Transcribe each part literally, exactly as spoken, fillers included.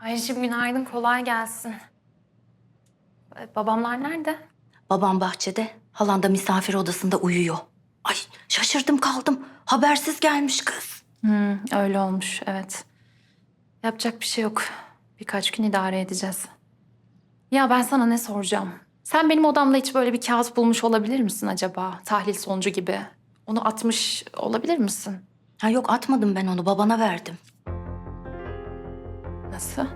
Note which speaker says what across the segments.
Speaker 1: Ayşem günaydın, kolay gelsin. Ee, Babamlar nerede?
Speaker 2: Babam bahçede, halan da misafir odasında uyuyor. Ay şaşırdım kaldım. Habersiz gelmiş kız.
Speaker 1: Hmm, öyle olmuş, evet. Yapacak bir şey yok. Birkaç gün idare edeceğiz. Ya ben sana ne soracağım? Sen benim odamda hiç böyle bir kağıt bulmuş olabilir misin acaba? Tahlil sonucu gibi. Onu atmış olabilir misin?
Speaker 2: Ha yok atmadım ben onu, babana verdim.
Speaker 1: Nasıl?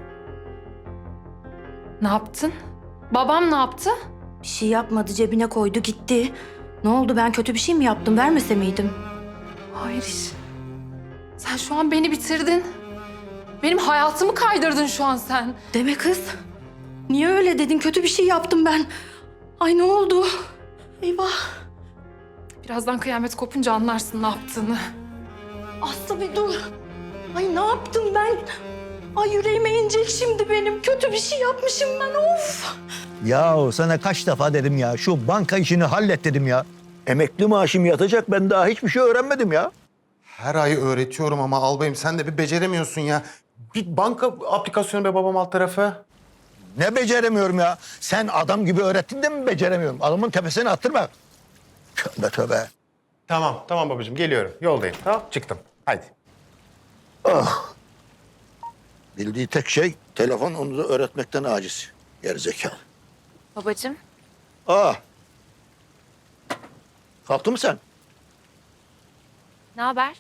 Speaker 1: Ne yaptın? Babam ne yaptı?
Speaker 2: Bir şey yapmadı, cebine koydu gitti. Ne oldu, ben kötü bir şey mi yaptım, vermese miydim?
Speaker 1: Hayır iş. Sen şu an beni bitirdin. Benim hayatımı kaydırdın şu an sen.
Speaker 2: Deme kız. Niye öyle dedin, kötü bir şey yaptım ben. Ay ne oldu? Eyvah.
Speaker 1: Birazdan kıyamet kopunca anlarsın ne yaptığını.
Speaker 2: Aslı bir dur. Ay ne yaptım ben? Ay yüreğime inecek şimdi benim. Kötü bir şey yapmışım ben, of.
Speaker 3: Ya sana kaç defa dedim ya, şu banka işini hallet dedim ya. Emekli maaşım yatacak, ben daha hiçbir şey öğrenmedim ya.
Speaker 4: Her ay öğretiyorum ama albayım sen de bir beceremiyorsun ya. Bir banka aplikasyonu be babam alt tarafı.
Speaker 3: Ne beceremiyorum ya? Sen adam gibi öğrettin de mi beceremiyorum? Adamın tepesine attırma. Tövbe tövbe.
Speaker 4: Tamam, tamam babacığım geliyorum. Yoldayım. Tamam, çıktım. Hadi.
Speaker 3: Bildiği tek şey telefon, onu da öğretmekten aciz. Gerizekalı.
Speaker 1: Babacığım.
Speaker 3: Aa. Kalktın mı sen?
Speaker 1: Ne haber?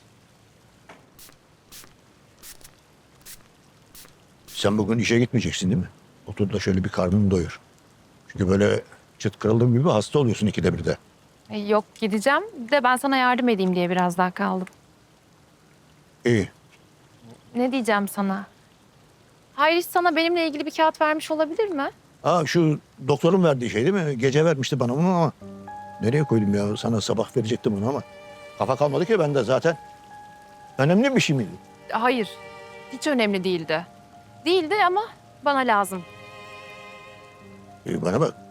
Speaker 3: Sen bugün işe gitmeyeceksin değil mi? Otur da şöyle bir karnını doyur. Çünkü böyle çıt kırıldığım gibi hasta oluyorsun ikide bir de.
Speaker 1: E, Yok gideceğim. Bir de ben sana yardım edeyim diye biraz daha kaldım.
Speaker 3: İyi.
Speaker 1: Ne diyeceğim sana? Hayriş sana benimle ilgili bir kağıt vermiş olabilir mi?
Speaker 3: Aa, şu doktorun verdiği şey değil mi? Gece vermişti bana bunu ama nereye koydum ya? Sana sabah verecektim onu ama kafa kalmadı ki bende zaten. Önemli bir şey miydi?
Speaker 1: Hayır. Hiç önemli değildi. Değildi ama bana lazım.
Speaker 3: Ee, bana bak.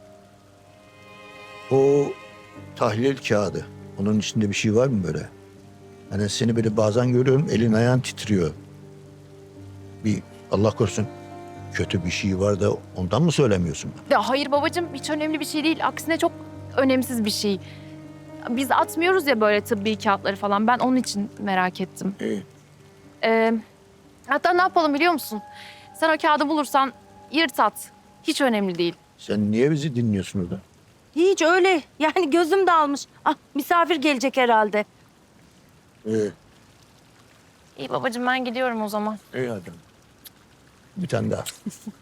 Speaker 3: O tahlil kağıdı. Onun içinde bir şey var mı böyle? Hani seni böyle bazen görüyorum, elin ayağın titriyor. Bir Allah korusun kötü bir şey var da ondan mı söylemiyorsun?
Speaker 1: Ya hayır babacığım hiç önemli bir şey değil. Aksine çok önemsiz bir şey. Biz atmıyoruz ya böyle tıbbi kağıtları falan. Ben onun için merak ettim.
Speaker 3: İyi.
Speaker 1: Ee, hatta ne yapalım biliyor musun? Sen o kağıdı bulursan yırt at. Hiç önemli değil.
Speaker 3: Sen niye bizi dinliyorsun orada?
Speaker 2: Hiç öyle. Yani gözüm dalmış. Ah misafir gelecek herhalde.
Speaker 3: İyi.
Speaker 1: İyi babacığım ben gidiyorum o zaman.
Speaker 3: İyi hadi. Bir tane daha.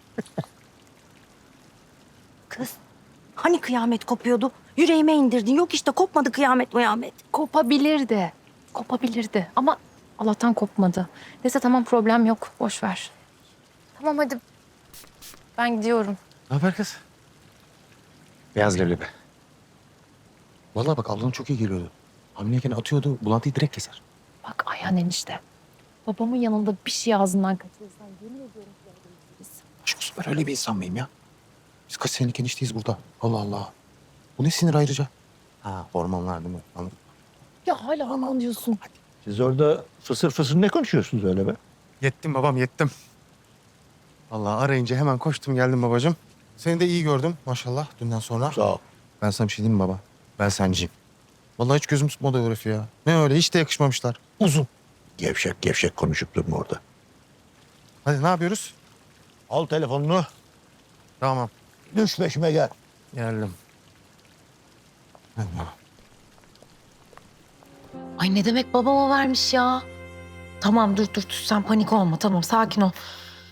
Speaker 2: Kız hani kıyamet kopuyordu? Yüreğime indirdin. Yok işte kopmadı kıyamet muyamet.
Speaker 1: Kopabilirdi. Kopabilirdi ama Allah'tan kopmadı. Neyse tamam problem yok. Boş ver. Tamam hadi. Ben gidiyorum.
Speaker 4: Ne haber kız? Beyaz leblebi. Vallahi bak ablanın çok iyi geliyordu. Hamileyken atıyordu, bulantıyı direkt keser.
Speaker 1: Bak Ayhan enişte. Babamın yanında bir şey ağzından kaçırırsan yemin ediyorum ki öldürürüz.
Speaker 4: Aşk olsun ben öyle bir insan mıyım ya? Biz kaç senelik enişteyiz burada. Allah Allah. Bu ne sinir ayrıca? Ha hormonlar değil mi? Anladım.
Speaker 1: Ya hala aman diyorsun.
Speaker 3: Siz orada fısır fısır ne konuşuyorsunuz öyle be?
Speaker 4: Yettim babam yettim. Vallahi arayınca hemen koştum geldim babacığım. Seni de iyi gördüm maşallah dünden sonra.
Speaker 3: Sağ ol.
Speaker 4: Ben sana bir şey diyeyim mi baba? Ben senciyim. Vallahi hiç gözüm tutmadı o herifi ya. Ne öyle hiç de yakışmamışlar. Uzun.
Speaker 3: Gevşek gevşek konuşup durma orada.
Speaker 4: Hadi ne yapıyoruz?
Speaker 3: Al telefonunu,
Speaker 4: Tamam.
Speaker 3: düş peşime gel.
Speaker 4: Geldim. Allah.
Speaker 5: Ay ne demek babama vermiş ya? Tamam dur dur dur sen panik olma tamam sakin ol.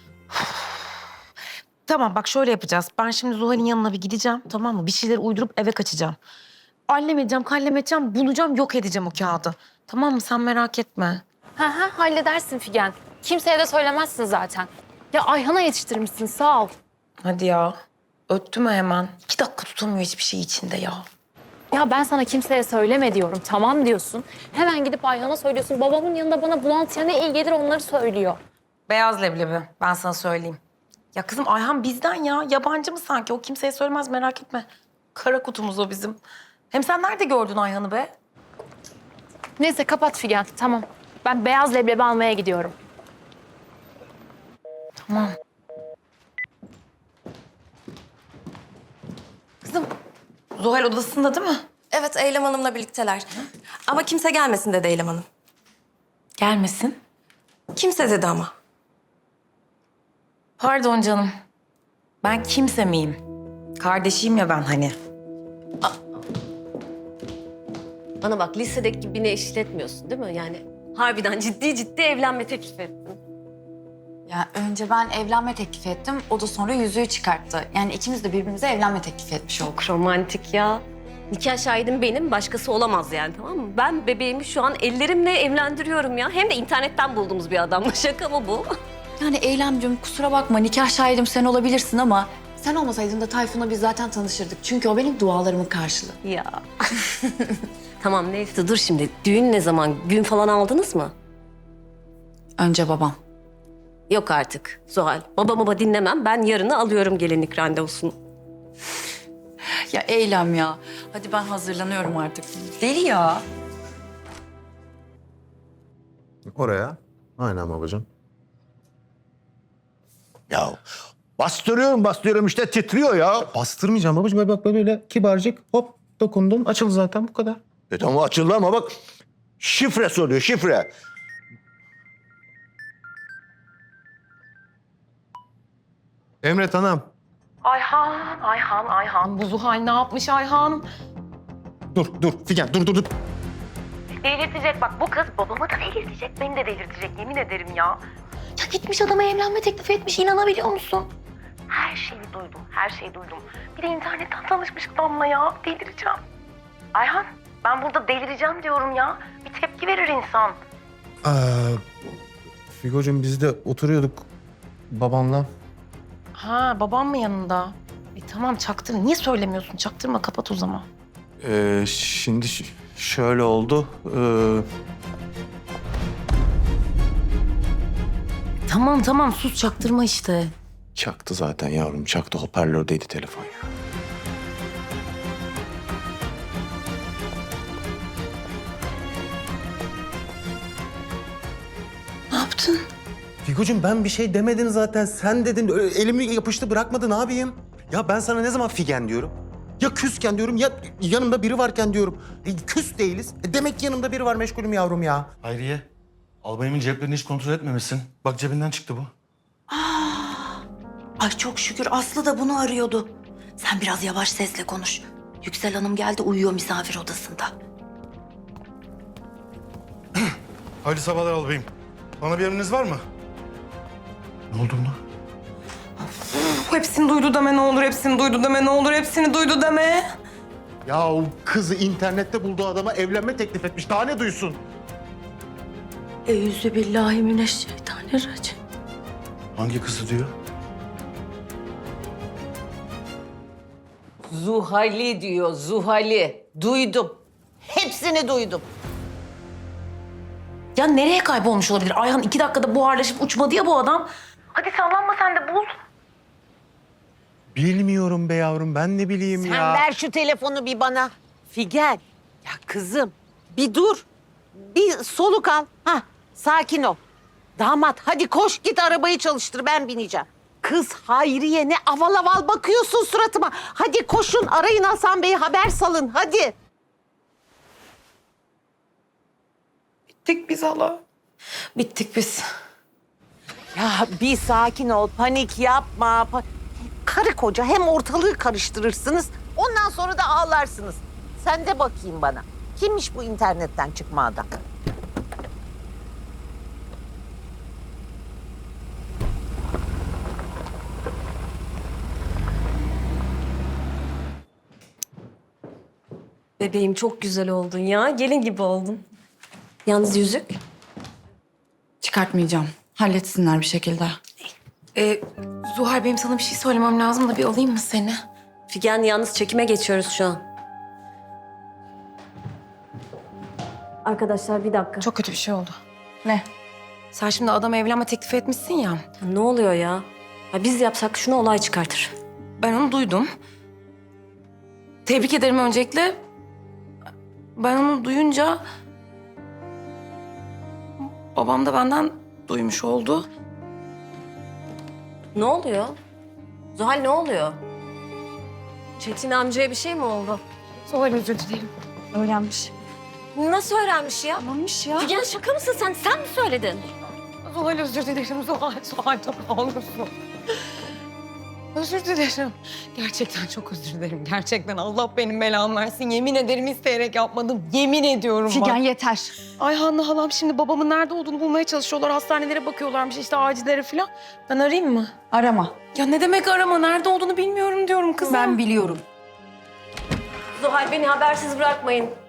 Speaker 5: Tamam bak şöyle yapacağız. Ben şimdi Zuhal'in yanına bir gideceğim tamam mı? Bir şeyler uydurup eve kaçacağım. Allem edeceğim, kallem edeceğim, bulacağım, yok edeceğim o kağıdı. Tamam mı? Sen merak etme.
Speaker 1: Ha ha halledersin Figen. Kimseye de söylemezsin zaten. Ya Ayhan'a yetiştirmişsin sağ ol.
Speaker 5: Hadi ya. Öttü mü hemen? İki dakika tutamıyor hiçbir şey içinde ya.
Speaker 1: Ya ben sana kimseye söyleme diyorum. Tamam diyorsun. Hemen gidip Ayhan'a söylüyorsun. Babamın yanında bana bulantıya ne iyi gelir onları söylüyor.
Speaker 5: Beyaz leblebi. Ben sana söyleyeyim. Ya kızım Ayhan bizden ya. Yabancı mı sanki? O kimseye söylemez merak etme. Kara kutumuz o bizim. Hem sen nerede gördün Ayhan'ı be?
Speaker 1: Neyse kapat Figen tamam. Ben beyaz leblebi almaya gidiyorum.
Speaker 5: Tamam. Kızım, Zuhal odasında değil mi?
Speaker 2: Evet, Eylem Hanım'la birlikteler. Ama kimse gelmesin dedi Eylem Hanım.
Speaker 5: Gelmesin.
Speaker 2: Kimse dedi ama.
Speaker 5: Pardon canım. Ben kimse miyim? Kardeşiyim ya ben hani.
Speaker 6: Bana bak lisedeki gibi beni eşitletmiyorsun değil mi? Yani harbiden ciddi ciddi evlenme teklif ettin.
Speaker 7: Ya önce ben evlenme teklif ettim. O da sonra yüzüğü çıkarttı. Yani ikimiz de birbirimize evlenme teklif etmiş olduk.
Speaker 6: Çok romantik ya. Nikah şahidim benim, başkası olamaz yani, tamam mı? Ben bebeğimi şu an ellerimle evlendiriyorum ya. Hem de internetten bulduğumuz bir adamla. Şaka mı bu?
Speaker 7: Yani Eylemcim kusura bakma nikah şahidim sen olabilirsin ama sen olmasaydın da Tayfun'la biz zaten tanışırdık. Çünkü o benim dualarımın karşılığı.
Speaker 6: Ya. Tamam neyse dur şimdi. Düğün ne zaman? Gün falan aldınız mı?
Speaker 7: Önce babam.
Speaker 6: Yok artık Zuhal. Baba baba dinlemem. Ben yarını alıyorum gelinlik randevusunu.
Speaker 7: Ya Eylem ya. Hadi ben hazırlanıyorum artık.
Speaker 5: Deli ya.
Speaker 4: Oraya. Aynen babacığım.
Speaker 3: Ya bastırıyorum bastırıyorum işte titriyor ya.
Speaker 4: Bastırmayacağım babacığım. Böyle bak böyle kibarcık hop dokundun. Açıldı zaten bu kadar.
Speaker 3: E tamam açıldı ama bak şifre soruyor şifre.
Speaker 4: Emret Hanım.
Speaker 5: Ayhan, Ayhan, Ayhan. Bu Zuhal ne yapmış Ayhan?
Speaker 4: Dur dur Figen dur dur dur.
Speaker 5: Delirtecek bak bu kız babamı da delirtecek, beni de delirtecek yemin ederim ya. Ya gitmiş adama evlenme teklif etmiş, inanabiliyor musun? Her şeyi duydum, her şeyi duydum. Bir de internetten tanışmış adamla ya, delireceğim. Ayhan, ben burada delireceğim diyorum ya. Bir tepki verir insan.
Speaker 4: Ee, Figocuğum biz de oturuyorduk babanla.
Speaker 5: Ha, babam mı yanında? E tamam çaktır. Niye söylemiyorsun? Çaktırma, kapat o zaman.
Speaker 4: Ee, şimdi ş- şöyle oldu. Ee,
Speaker 5: Tamam tamam sus, çaktırma işte.
Speaker 4: çaktı zaten yavrum çaktı. Hoparlördeydi telefon ya.
Speaker 5: Ne yaptın?
Speaker 4: Figocuğum ben bir şey demedin zaten. Sen dedin. Öyle elimi yapıştı bırakmadı ne yapayım? Ya ben sana ne zaman Figen diyorum? Ya küsken diyorum ya yanımda biri varken diyorum. E, küs değiliz. E, demek ki yanımda biri var meşgulüm yavrum ya.
Speaker 8: Hayriye, albayımın ceplerini hiç kontrol etmemişsin. Bak cebinden çıktı bu.
Speaker 2: Ay çok şükür Aslı da bunu arıyordu. Sen biraz yavaş sesle konuş. Yüksel Hanım geldi uyuyor misafir odasında.
Speaker 8: Hayırlı sabahlar albayım. Bana bir emriniz var mı? Ne oldu buna?
Speaker 5: Hepsini duydu deme ne olur, hepsini duydu deme ne olur, hepsini duydu deme.
Speaker 4: Ya o kızı internette bulduğu adama evlenme teklif etmiş. Daha ne duysun?
Speaker 2: Eyyüzü billahi mineşşeytanirracim.
Speaker 8: Hangi kızı diyor?
Speaker 9: Zuhali diyor, Zuhali. Duydum. Hepsini duydum.
Speaker 5: Ya nereye kaybolmuş olabilir? Ayhan iki dakikada buharlaşıp uçmadı ya bu adam. Hadi sallanma sen de bul.
Speaker 4: Bilmiyorum be yavrum. Ben ne bileyim
Speaker 9: Sen
Speaker 4: ya.
Speaker 9: ver şu telefonu bir bana. Figen, ya kızım bir dur. Bir soluk al. Hah, sakin ol. Damat hadi koş git arabayı çalıştır ben bineceğim. Kız Hayriye ne aval aval bakıyorsun suratıma. Hadi koşun arayın Hasan Bey'i haber salın hadi.
Speaker 5: Bittik biz hala. Bittik biz.
Speaker 9: Ya bir sakin ol panik yapma. Pa- Karı koca hem ortalığı karıştırırsınız ondan sonra da ağlarsınız. Sen de bakayım bana. Kimmiş bu internetten çıkma adam?
Speaker 6: Bebeğim çok güzel oldun ya. Gelin gibi oldun. Yalnız yüzük.
Speaker 7: Çıkartmayacağım. Halletsinler bir şekilde.
Speaker 5: Ee, Zuhal benim sana bir şey söylemem lazım da bir alayım mı seni?
Speaker 6: Figen yalnız çekime geçiyoruz şu an. Arkadaşlar bir dakika.
Speaker 5: Çok kötü bir şey oldu.
Speaker 7: Ne?
Speaker 5: Sen şimdi adama evlenme teklifi etmişsin ya.
Speaker 6: Ne oluyor ya? Ya biz yapsak şunu olay çıkartır.
Speaker 5: Ben onu duydum. Tebrik ederim öncelikle. Ben onu duyunca... Babam da benden duymuş oldu.
Speaker 6: Ne oluyor? Zuhal ne oluyor? Çetin amcaya bir şey mi oldu?
Speaker 2: Zuhal özür dilerim. Öğrenmiş.
Speaker 6: Nasıl öğrenmiş ya?
Speaker 2: Öğrenmiş ya.
Speaker 6: Figen şaka mısın sen? Sen mi söyledin?
Speaker 2: Zuhal özür dilerim. Zuhal, Zuhal ne olursun. Özür dilerim. Gerçekten çok özür dilerim. Gerçekten Allah benim belamı versin. Yemin ederim isteyerek yapmadım. Yemin ediyorum
Speaker 7: Figen
Speaker 2: bak.
Speaker 7: yeter.
Speaker 2: Ay Hanne halam şimdi babamın nerede olduğunu bulmaya çalışıyorlar. Hastanelere bakıyorlarmış işte acillere falan. Ben arayayım mı?
Speaker 7: Arama.
Speaker 2: Ya ne demek arama? Nerede olduğunu bilmiyorum diyorum kızım.
Speaker 7: Ben biliyorum.
Speaker 6: Zuhal beni habersiz bırakmayın.